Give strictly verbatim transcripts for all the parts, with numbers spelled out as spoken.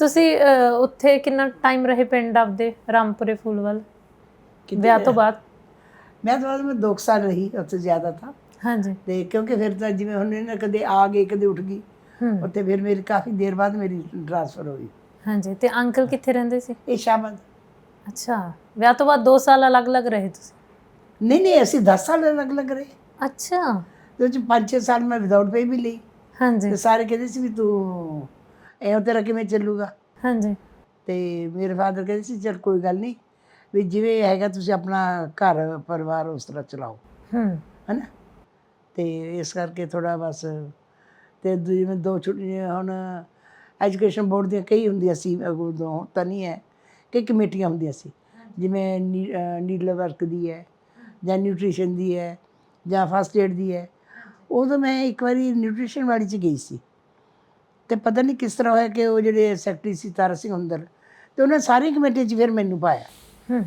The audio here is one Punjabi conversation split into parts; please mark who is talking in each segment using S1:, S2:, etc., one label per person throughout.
S1: ਤੁਸੀਂ ਅਹ, ਉੱਥੇ ਕਿੰਨਾ ਟਾਈਮ ਰਹੇ ਪਿੰਡ ਆਪਦੇ ਰਾਮਪੁਰੇ ਫੂਲਵਾਲ ਵਿਆਹ ਤੋਂ ਬਾਅਦ?
S2: ਮੈਂ ਤਾਂ ਬਾਅਦ ਮੈਂ ਦੋ ਕੁ ਸਾਲ ਰਹੀ ਉੱਥੇ, ਜ਼ਿਆਦਾ ਤਾਂ।
S1: ਹਾਂਜੀ।
S2: ਤੇ ਕਿਉਂਕਿ ਫਿਰ ਤਾਂ ਜਿਵੇਂ ਹੁਣ ਇਹਨਾਂ ਕਦੇ ਆ ਗਏ ਕਦੇ ਉੱਠ ਗਈ,
S1: ਹੂੰ।
S2: ਉੱਥੇ ਫਿਰ ਮੇਰੀ ਕਾਫੀ ਦੇਰ ਬਾਅਦ ਮੇਰੀ ਟ੍ਰਾਂਸਫਰ ਹੋਈ।
S1: ਹਾਂਜੀ, ਤੇ ਅੰਕਲ ਕਿੱਥੇ ਰਹਿੰਦੇ ਸੀ?
S2: ਇਹ ਸ਼ਾਬਾਦ।
S1: ਅੱਛਾ, ਵਿਆਹ ਤੋਂ ਬਾਅਦ ਦੋ ਸਾਲ ਅਲੱਗ-ਅਲੱਗ ਰਹੇ ਤੁਸੀਂ?
S2: ਨਹੀਂ ਨਹੀਂ, ਅਸੀਂ ਦਸ ਸਾਲ ਅਲੱਗ ਅਲੱਗ ਰਹੇ।
S1: ਅੱਛਾ।
S2: ਤੇ ਉਹ 'ਚ ਪੰਜ ਛੇ ਸਾਲ ਮੈਂ ਵਿਦਆਊਟ ਪੇ ਵੀ ਲਈ।
S1: ਹਾਂਜੀ
S2: ਤੇ ਸਾਰੇ ਕਹਿੰਦੇ ਸੀ ਵੀ ਤੂੰ ਐਂ ਤੇਰਾ ਕਿਵੇਂ ਚੱਲੂਗਾ।
S1: ਹਾਂਜੀ।
S2: ਤੇ ਮੇਰੇ ਫਾਦਰ ਕਹਿੰਦੇ ਸੀ ਚਲ ਕੋਈ ਗੱਲ ਨਹੀਂ, ਵੀ ਜਿਵੇਂ ਹੈਗਾ ਤੁਸੀਂ ਆਪਣਾ ਘਰ ਪਰਿਵਾਰ ਉਸ ਤਰ੍ਹਾਂ ਚਲਾਓ,
S1: ਹੂੰ।
S2: ਹੈ ਨਾ। ਤੇ ਇਸ ਕਰਕੇ ਥੋੜ੍ਹਾ ਬਸ। ਤੇ ਜਿਵੇਂ ਦੋ ਛੁੱਟੀਆਂ ਹੁਣ ਐਜੂਕੇਸ਼ਨ ਬੋਰਡ ਦੀਆਂ ਕਈ ਹੁੰਦੀਆਂ ਸੀ ਉਦੋਂ, ਤਾਂ ਨਹੀਂ ਹੈ, ਕਈ ਕਮੇਟੀਆਂ ਹੁੰਦੀਆਂ ਸੀ, ਜਿਵੇਂ ਨੀ ਨੀਡਲ ਵਰਕ ਦੀ ਹੈ, ਜਾਂ ਨਿਊਟ੍ਰੀਸ਼ਨ ਦੀ ਹੈ, ਜਾਂ ਫਸਟ ਏਡ ਦੀ ਹੈ। ਉਦੋਂ ਮੈਂ ਇੱਕ ਵਾਰੀ ਨਿਊਟ੍ਰੀਸ਼ਨ ਵਾਲੀ 'ਚ ਗਈ ਸੀ, ਤੇ ਪਤਾ ਨਹੀਂ ਕਿਸ ਤਰ੍ਹਾਂ ਹੋਇਆ ਕਿ ਉਹ ਜਿਹੜੇ ਸੈਕਟਰੀ ਸੀ ਤਾਰਾ ਸਿੰਘ ਹੁੰਦਲ, ਤੇ ਉਹਨਾਂ ਸਾਰੀ ਕਮੇਟੀ 'ਚ ਫਿਰ ਮੈਨੂੰ ਪਾਇਆ।
S1: ਹੂੰ।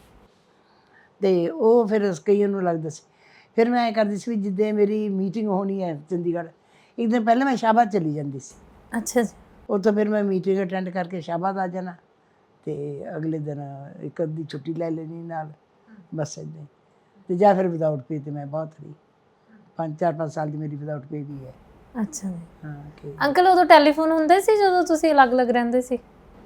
S2: ਤੇ ਉਹ ਫਿਰ ਕਈਆਂ ਨੂੰ ਲੱਗਦਾ ਸੀ। ਫਿਰ ਮੈਂ ਐਂ ਕਰਦੀ ਸੀ ਵੀ ਜਿੱਦਾਂ ਮੇਰੀ ਮੀਟਿੰਗ ਹੋਣੀ ਹੈ ਚੰਡੀਗੜ੍ਹ, ਇੱਕ ਦਿਨ ਪਹਿਲਾਂ ਮੈਂ ਸ਼ਾਹਬਾਦ ਚਲੀ ਜਾਂਦੀ ਸੀ।
S1: ਅੱਛਾ ਜੀ।
S2: ਉੱਥੋਂ ਫਿਰ ਮੈਂ ਮੀਟਿੰਗ ਅਟੈਂਡ ਕਰਕੇ ਸ਼ਾਹਬਾਦ ਆ ਜਾਣਾ, ਤੇ ਅਗਲੇ ਦਿਨ ਇੱਕ ਅੱਧੀ ਛੁੱਟੀ ਲੈ ਲੈਣੀ ਨਾਲ, ਬਸ ਇੱਦਾਂ ਹੀ। ਤੇ ਜਾਂ ਫਿਰ ਵਿਦਆਊਟ ਪੇ, ਤੇ ਮੈਂ ਬਹੁਤ ਰਹੀ, ਪੰਜ ਚਾਰ ਪੰਜ ਸਾਲ ਦੀ ਮੇਰੀ ਵਿਦਆਊਟ ਪੇ ਵੀ ਹੈ।
S1: ਅੱਛਾ ਜੀ।
S2: ਹਾਂ ਕਿ
S1: ਅੰਕਲ ਉਦੋਂ ਟੈਲੀਫੋਨ ਹੁੰਦੇ ਸੀ ਜਦੋਂ ਤੁਸੀਂ ਅਲੱਗ-ਅਲੱਗ ਰਹਿੰਦੇ ਸੀ?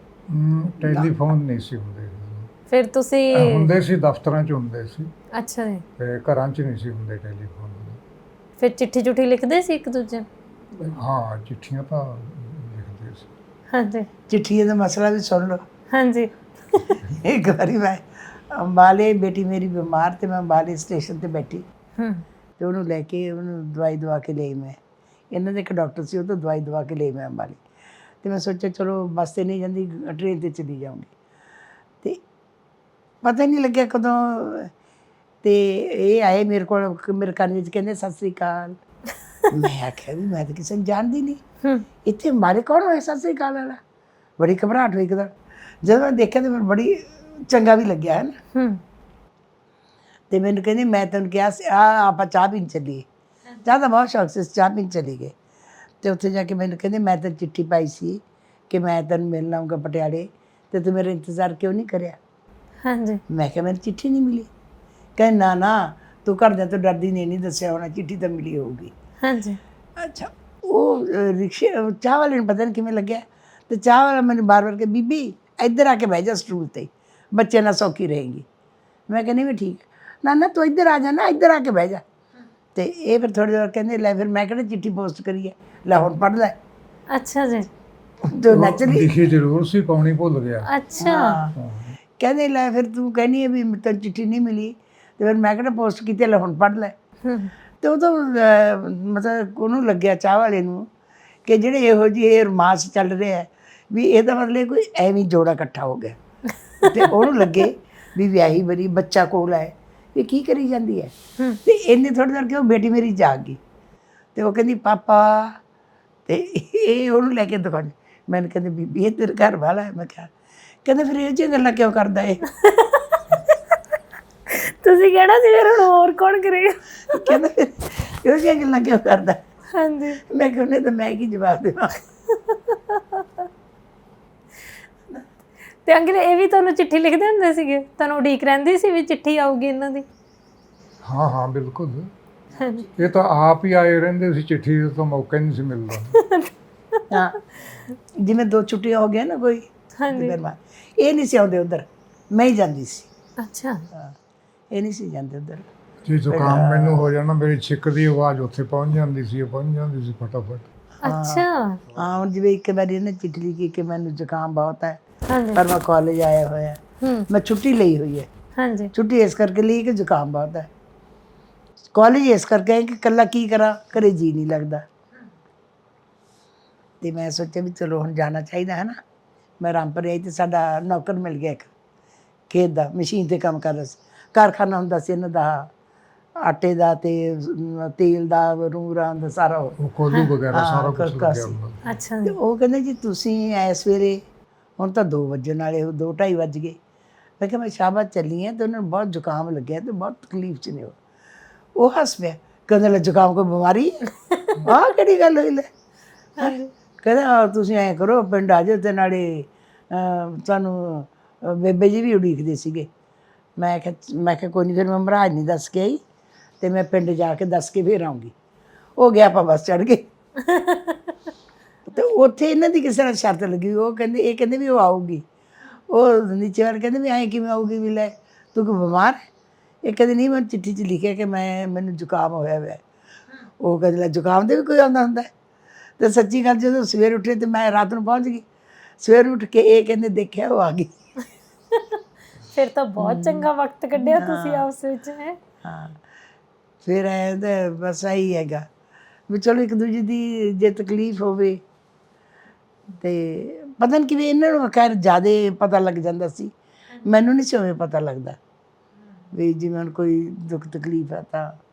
S3: ਟੈਲੀਫੋਨ ਨਹੀਂ ਸੀ ਹੁੰਦੇ।
S1: ਫਿਰ ਤੁਸੀਂ
S3: ਹੁੰਦੇ ਸੀ ਦਫ਼ਤਰਾਂ 'ਚ ਹੁੰਦੇ ਸੀ,
S1: ਅੱਛਾ ਜੀ।
S3: ਤੇ ਘਰਾਂ 'ਚ ਨਹੀਂ ਸੀ ਹੁੰਦੇ ਟੈਲੀਫੋਨ।
S1: ਫਿਰ ਚਿੱਠੀ ਚੁੱਠੀ ਲਿਖਦੇ ਸੀ ਇੱਕ ਦੂਜੇ ਨੂੰ?
S3: ਹਾਂ, ਚਿੱਠੀਆਂ ਤਾਂ ਲਿਖਦੇ ਸੀ।
S1: ਹਾਂਜੀ।
S2: ਚਿੱਠੀਆਂ ਦਾ ਮਸਲਾ ਵੀ ਸੁਣ ਲਓ।
S1: ਹਾਂਜੀ।
S2: ਇੱਕ ਵਾਰੀ ਮੈਂ ਅੰਬਾਲੇ, ਬੇਟੀ ਮੇਰੀ ਬਿਮਾਰ, ਤੇ ਮੈਂ ਅੰਬਾਲੇ ਸਟੇਸ਼ਨ ਤੇ ਬੈਠੀ,
S1: ਹੂੰ।
S2: ਤੇ ਉਹਨੂੰ ਲੈ ਕੇ ਉਹਨੂੰ ਦਵਾਈ ਦਵਾ ਕੇ ਲਈ ਮੈਂ। ਇਹਨਾਂ ਦੇ ਇੱਕ ਡਾਕਟਰ ਸੀ, ਉਹ ਤੋਂ ਦਵਾਈ ਦਵਾ ਕੇ ਲਈ ਮੈਂ ਅੰਬਾਲੇ। ਤੇ ਮੈਂ ਸੋਚਿਆ ਚਲੋ ਬੱਸ 'ਤੇ ਨਹੀਂ ਜਾਂਦੀ, ਟ੍ਰੇਨ 'ਤੇ ਚਲੀ ਜਾਊਂਗੀ। ਤੇ ਪਤਾ ਨਹੀਂ ਲੱਗਿਆ ਕਦੋਂ, ਤੇ ਇਹ ਆਏ ਮੇਰੇ ਕੋਲ, ਮੇਰੇ ਕੰਨ ਵਿੱਚ ਕਹਿੰਦੇ ਸਤਿ ਸ੍ਰੀ ਅਕਾਲ। ਮੈਂ ਆਖਿਆ ਵੀ ਮੈਂ ਤਾਂ ਕਿਸੇ ਨੂੰ ਜਾਣਦੀ ਨਹੀਂ,
S1: ਹੂੰ।
S2: ਇੱਥੇ ਅੰਬਾਲੇ ਕੌਣ ਹੋਇਆ ਸਤਿ ਸ੍ਰੀ ਅਕਾਲ ਵਾਲਾ। ਬੜੀ ਘਬਰਾਹਟ ਹੋਈ ਇੱਕਦਮ। ਜਦੋਂ ਮੈਂ ਦੇਖਿਆ ਤਾਂ ਮੈਨੂੰ ਬੜੀ ਚੰਗਾ ਵੀ ਲੱਗਿਆ, ਹੈ ਨਾ।
S1: ਹੂੰ।
S2: ਤੇ ਮੈਨੂੰ ਕਹਿੰਦੀ ਮੈਂ ਤੈਨੂੰ ਕਿਹਾ ਸੀ ਆ ਆਪਾਂ ਚਾਹ ਪੀਣ ਚੱਲੀਏ। ਚਾਹ ਦਾ ਬਹੁਤ ਸ਼ੌਕ ਸੀ, ਚਾਹ ਪੀਣ ਚਲੀ ਗਏ। ਤੇ ਉੱਥੇ ਜਾ ਕੇ ਮੈਨੂੰ ਕਹਿੰਦੇ ਮੈਂ ਤਾਂ ਚਿੱਠੀ ਪਾਈ ਸੀ ਕਿ ਮੈਂ ਤੈਨੂੰ ਮਿਲਣ ਆਊਂਗਾ ਪਟਿਆਲੇ, ਤੇ ਤੂੰ ਮੇਰਾ ਇੰਤਜ਼ਾਰ ਕਿਉਂ ਨਹੀਂ ਕਰਿਆ।
S1: ਹਾਂਜੀ।
S2: ਮੈਂ ਕਿਹਾ ਮੈਨੂੰ ਚਿੱਠੀ ਨਹੀਂ ਮਿਲੀ। ਕਹਿੰਦੇ ਨਾ ਨਾ, ਤੂੰ ਘਰਦਿਆਂ ਤੋਂ ਡਰਦੀ ਨੇ ਨਹੀਂ ਦੱਸਿਆ ਹੋਣਾ, ਚਿੱਠੀ ਤਾਂ ਮਿਲੀ ਹੋਊਗੀ।
S1: ਹਾਂਜੀ।
S2: ਅੱਛਾ, ਉਹ ਅ, ਰਿਕਸ਼ੇ ਚਾਹ ਵਾਲੇ ਨੂੰ ਪਤਾ ਨਹੀਂ ਕਿਵੇਂ ਲੱਗਿਆ, ਤੇ ਚਾਹ ਵਾਲਾ ਮੈਨੂੰ ਬਾਰ ਬਾਰ ਕਿ ਬੀਬੀ ਇੱਧਰ ਆ ਕੇ ਬਹਿ ਜਾ ਸਟੂਲ 'ਤੇ, ਬੱਚੇ ਨਾਲ ਸੌਖੀ ਰਹੇਗੀ। ਮੈਂ ਕਹਿੰਦੀ ਵੀ ਠੀਕ। ਨਾ ਨਾ ਤੂੰ ਇੱਧਰ ਆ ਜਾ ਨਾ, ਇੱਧਰ ਆ ਕੇ ਬਹਿ ਜਾ। ਤੇ ਇਹ ਫਿਰ ਥੋੜ੍ਹੀ ਦੇਰ ਕਹਿੰਦੇ ਲੈ ਫਿਰ ਮੈਂ ਕਿਹੜਾ ਚਿੱਠੀ ਪੋਸਟ ਕਰੀਏ, ਲੈ ਹੁਣ ਪੜ੍ਹ ਲੈ।
S1: ਅੱਛਾ ਜੀ।
S2: ਤੇ ਨੱਚ ਲਈ।
S3: ਲਿਖੀ ਜ਼ਰੂਰ ਸੀ, ਪਾਉਣੀ ਭੁੱਲ ਗਿਆ।
S1: ਅੱਛਾ।
S2: ਹਾਂ। ਕਹਿੰਦੇ ਲੈ ਫਿਰ ਤੂੰ ਕਹਿੰਦੀ ਹੈ ਵੀ ਤੈਨੂੰ ਚਿੱਠੀ ਨਹੀਂ ਮਿਲੀ, ਤੇ ਫਿਰ ਮੈਂ ਕਿਹੜਾ ਪੋਸਟ ਕੀਤੀ, ਲੈ ਹੁਣ ਪੜ੍ਹ ਲੈ।
S1: ਹੂੰ।
S2: ਤੇ ਉਦੋਂ ਮਤਲਬ ਉਹਨੂੰ ਲੱਗਿਆ ਚਾਹ ਵਾਲੇ ਨੂੰ ਕਿ ਜਿਹੜੇ ਇਹੋ ਜਿਹੇ ਇਹ ਰੋਮਾਂਸ ਚੱਲ ਰਿਹਾ ਵੀ ਇਹਦਾ ਮਤਲਬ ਕੋਈ ਐਵੇਂ ਜੋੜਾ ਇਕੱਠਾ ਹੋ ਗਿਆ। ਤੇ ਉਹਨੂੰ ਲੱਗੇ ਵੀ ਵਿਆਹੀ ਬਰੀ, ਬੱਚਾ ਕੋਲ ਹੈ, ਵੀ ਕੀ ਕਰੀ ਜਾਂਦੀ ਹੈ। ਤੇ ਇੰਨੇ ਥੋੜ੍ਹੀ ਦੇਰ ਕਿ ਉਹ ਬੇਟੀ ਮੇਰੀ ਜਾਗ ਗਈ, ਤੇ ਉਹ ਕਹਿੰਦੀ ਪਾਪਾ, ਤੇ ਇਹ ਉਹਨੂੰ ਲੈ ਕੇ ਦੁਕਾਨ। ਮੈਨੂੰ ਕਹਿੰਦੇ ਬੀਬੀ ਇਹ ਤੇਰੇ ਘਰ ਵਾਲਾ ਹੈ। ਮੈਂ ਕਿਹਾ, ਕਹਿੰਦੇ ਫਿਰ ਇਹ ਜਿਹੀਆਂ ਗੱਲਾਂ ਕਿਉਂ ਕਰਦਾ ਇਹ।
S1: ਤੁਸੀਂ ਕਹਿਣਾ ਸੀ ਫਿਰ ਹੁਣ ਹੋਰ ਕੌਣ ਕਰੇਗਾ।
S2: ਕਹਿੰਦਾ ਫਿਰ ਇਹੋ ਜਿਹੀਆਂ ਗੱਲਾਂ ਕਿਉਂ ਕਰਦਾ।
S1: ਹਾਂਜੀ।
S2: ਮੈਂ ਕਿਹਾ ਉਹਨੇ ਤਾਂ ਮੈਂ ਕੀ ਜਵਾਬ ਦੇਵਾਂ।
S1: ਤੇ ਅੰਕਲ ਇਹ ਵੀ ਤੁਹਾਨੂੰ ਚਿੱਠੀ ਲਿਖਦੇ ਹੁੰਦੇ ਸੀਗੇ? ਤੁਹਾਨੂੰ ਉਡੀਕ ਰਹਿੰਦੀ ਸੀ ਵੀ ਚਿੱਠੀ ਆਊਗੀ ਇਹਨਾਂ ਦੀ?
S3: ਹਾਂ ਹਾਂ ਬਿਲਕੁਲ।
S1: ਹਾਂਜੀ।
S3: ਇਹ ਤਾਂ ਆਪ ਹੀ ਆਏ ਰਹਿੰਦੇ ਸੀ, ਚਿੱਠੀ ਦਾ ਤਾਂ ਮੌਕਾ ਹੀ ਨਹੀਂ ਸੀ ਮਿਲਦਾ।
S2: ਹਾਂ, ਜਿਵੇਂ ਦੋ ਛੁੱਟੀਆਂ ਹੋ ਗਈਆਂ ਨਾ ਕੋਈ,
S1: ਹਾਂਜੀ।
S2: ਫਿਰ ਮੈਂ ਇਹ ਨਹੀਂ ਸੀ ਆਉਂਦੇ ਉੱਧਰ, ਮੈਂ ਹੀ ਜਾਂਦੀ ਸੀ।
S1: ਅੱਛਾ।
S2: ਹਾਂ, ਇਹ ਨਹੀਂ ਸੀ ਜਾਂਦੇ ਉੱਧਰ।
S3: ਜੇ ਜ਼ੁਕਾਮ ਮੈਨੂੰ ਹੋ ਜਾਣਾ, ਮੇਰੀ ਛਿੱਕ ਦੀ ਆਵਾਜ਼ ਉੱਥੇ ਪਹੁੰਚ ਜਾਂਦੀ ਸੀ, ਪਹੁੰਚ ਜਾਂਦੀ ਸੀ ਫਟਾਫਟ।
S1: ਅੱਛਾ।
S2: ਹਾਂ, ਹੁਣ ਜਿਵੇਂ ਇੱਕ ਵਾਰੀ ਇਹਨੇ ਚਿੱਠੀ ਲਿਖੀ ਕਿ ਮੈਨੂੰ ਜ਼ੁਕਾਮ ਬਹੁਤ ਹੈ,
S1: ਹਾਂਜੀ।
S2: ਪਰ ਮੈਂ ਕਾਲਜ ਆਇਆ ਹੋਇਆ,
S1: ਹੂੰ।
S2: ਮੈਂ ਛੁੱਟੀ ਲਈ ਹੋਈ ਹੈ।
S1: ਹਾਂਜੀ।
S2: ਛੁੱਟੀ ਇਸ ਕਰਕੇ ਲਈ ਕਿ ਜ਼ੁਕਾਮ ਬਹੁਤ ਹੈ, ਕਾਲਜ ਇਸ ਕਰਕੇ ਹੈ ਕਿ ਇਕੱਲਾ ਕੀ ਕਰਾਂ, ਘਰੇ ਜੀ ਨਹੀਂ ਲੱਗਦਾ। ਤੇ ਮੈਂ ਸੋਚਿਆ ਵੀ ਚਲੋ ਹੁਣ ਜਾਣਾ ਚਾਹੀਦਾ ਹੈ ਨਾ। ਮੈਂ ਰਾਮਪੁਰ ਆਈ, ਤੇ ਸਾਡਾ ਨੌਕਰ ਮਿਲ ਗਿਆ ਇੱਕ ਖੇਤ ਦਾ, ਮਸ਼ੀਨ 'ਤੇ ਕੰਮ ਕਰਦਾ ਸੀ। ਕਾਰਖਾਨਾ ਹੁੰਦਾ ਸੀ ਇਹਨਾਂ ਦਾ, ਆਟੇ ਦਾ ਤੇ ਤੇਲ ਦਾ, ਰੂਰਾਂ ਦਾ ਸਾਰਾ।
S3: ਉਹ ਕੋਲੂ ਵਗੈਰਾ ਸਾਰਾ ਕੁਝ ਲੱਗਿਆ ਹੁੰਦਾ।
S1: ਅੱਛਾ
S2: ਤੇ
S1: ਜੀ।
S2: ਉਹ ਕਹਿੰਦੇ ਜੀ ਤੁਸੀਂ ਐਸ ਵੇਲੇ, ਹੁਣ ਤਾਂ ਦੋ ਵੱਜਣ ਵਾਲੇ, ਦੋ ਢਾਈ ਵੱਜ ਗਏ। ਮੈਂ ਕਿਹਾ ਮੈਂ ਸ਼ਾਹਬਾਦ ਚੱਲੀ ਹਾਂ, ਤੇ ਉਹਨਾਂ ਨੂੰ ਬਹੁਤ ਜ਼ੁਕਾਮ ਲੱਗਿਆ, ਤੇ ਬਹੁਤ ਤਕਲੀਫ 'ਚ ਨੇ ਉਹ। ਉਹ ਹੱਸ ਪਿਆ, ਕਹਿੰਦੇ ਲੈ ਜ਼ੁਕਾਮ ਕੋਈ ਬਿਮਾਰੀ ਹੈ, ਆਹ ਕਿਹੜੀ ਗੱਲ ਹੋਈ ਲੈ।
S1: ਹਾਂਜੀ।
S2: ਕਹਿੰਦਾ ਤੁਸੀਂ ਐਂ ਕਰੋ ਪਿੰਡ ਆ ਜਾਓ ਤੇ ਨਾਲੇ ਅਹ, ਤੁਹਾਨੂੰ ਅਹ, ਬੇਬੇ ਜੀ ਵੀ ਉਡੀਕਦੇ ਸੀਗੇ। ਮੈਂ ਕਿਹਾ ਮੈਂ ਕਿਹਾ ਕੋਈ ਨਹੀਂ, ਫਿਰ ਮੈਂ ਮਹਾਰਾਜ ਨਹੀਂ ਦੱਸ ਕੇ ਆਈ ਤੇ ਮੈਂ ਪਿੰਡ ਜਾ ਕੇ ਦੱਸ ਕੇ ਫਿਰ ਆਉਂਗੀ। ਉਹ ਗਿਆ, ਆਪਾਂ ਬੱਸ ਚੜ੍ਹ ਗਏ। ਤੇ ਉੱਥੇ ਇਹਨਾਂ ਦੀ ਕਿਸੇ ਨਾਲ ਸ਼ਰਤ ਲੱਗੀ, ਉਹ ਕਹਿੰਦੇ ਇਹ ਕਹਿੰਦੇ ਵੀ ਉਹ ਆਊਗੀ। ਉਹ ਨੀਚੇ ਵਾਲੇ ਕਹਿੰਦੇ ਵੀ ਐਂ ਕਿਵੇਂ ਆਊਗੀ, ਵੀ ਲੈ ਤੂੰ ਕੋਈ ਬਿਮਾਰ ਹੈ? ਇਹ ਕਹਿੰਦੇ ਨਹੀਂ, ਮੈਂ ਚਿੱਠੀ 'ਚ ਲਿਖਿਆ ਕਿ ਮੈਂ ਮੈਨੂੰ ਜ਼ੁਕਾਮ ਹੋਇਆ ਹੋਇਆ। ਉਹ ਕਹਿੰਦੇ ਲੈ ਜ਼ੁਕਾਮ ਦੇ ਵੀ ਕੋਈ ਆਉਂਦਾ ਹੁੰਦਾ। ਤੇ ਸੱਚੀ ਗੱਲ, ਜਦੋਂ ਸਵੇਰ ਉੱਠੇ ਤੇ ਮੈਂ ਰਾਤ ਨੂੰ ਪਹੁੰਚ ਗਈ। ਸਵੇਰ ਉੱਠ ਕੇ ਇਹ ਕਹਿੰਦੇ ਦੇਖਿਆ ਉਹ ਆ ਗਈ।
S1: ਫਿਰ ਤਾਂ ਬਹੁਤ ਚੰਗਾ ਵਕਤ ਕੱਢਿਆ ਤੁਸੀਂ ਆਪਸ ਵਿੱਚ ਹੈ।
S2: ਹਾਂ, ਫਿਰ ਐਂ ਤਾਂ ਬਸ ਇਹੀ ਹੈਗਾ ਵੀ ਚਲੋ ਇੱਕ ਦੂਜੇ ਦੀ ਜੇ ਤਕਲੀਫ ਹੋਵੇ ਤੇ ਪਤਾ ਨਹੀਂ ਕਿਵੇਂ ਇਹਨਾਂ ਨੂੰ ਖੈਰ ਜ਼ਿਆਦਾ ਪਤਾ ਲੱਗ ਜਾਂਦਾ ਸੀ। ਮੈਨੂੰ ਨਹੀਂ ਸੀ ਉਵੇਂ ਪਤਾ ਲੱਗਦਾ ਵੀ ਜਿਵੇਂ ਹੁਣ ਕੋਈ ਦੁੱਖ ਤਕਲੀਫ ਹੈ ਤਾਂ